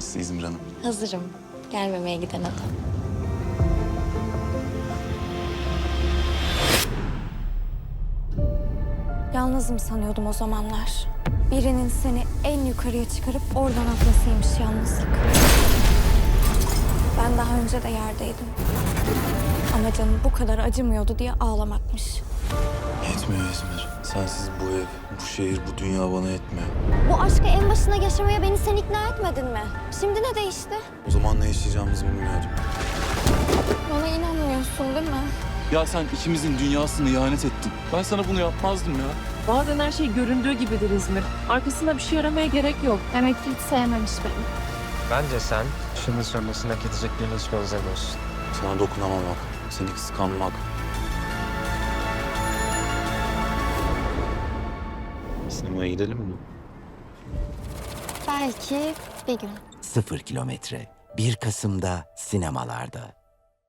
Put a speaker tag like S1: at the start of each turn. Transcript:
S1: mısın İzmir Hanım?
S2: Hazırım. Gelmemeye giden adam.
S3: Yalnızım sanıyordum o zamanlar. Birinin seni en yukarıya çıkarıp oradan atmasıymış yalnızlık. Ben daha önce de yerdeydim. Ama canım bu kadar acımıyordu diye ağlamakmış.
S1: Yetmiyor İzmir. Sensiz bu ev, bu şehir, bu dünya bana yetmiyor.
S3: Bu aşkı en başına yaşamaya beni sen ikna etmedin mi? Şimdi ne değişti?
S1: O zaman ne yaşayacağımızı bilmiyordum.
S3: Bana inanmıyorsun değil mi?
S4: Ya sen ikimizin dünyasını ihanet ettin. Ben sana bunu yapmazdım ya.
S5: Bazen her şey göründüğü gibidir İzmir. Arkasında bir şey aramaya gerek yok.
S3: Demek ki hiç sevmemiş beni.
S6: Bence sen şimdi sonrasında hak edeceklerini hiç benzemiyorsun.
S1: Sana dokunamamak, seni kıskanmak. Sinemaya gidelim mi?
S3: Belki bir gün.
S7: 0 kilometre 1 Kasım'da sinemalarda.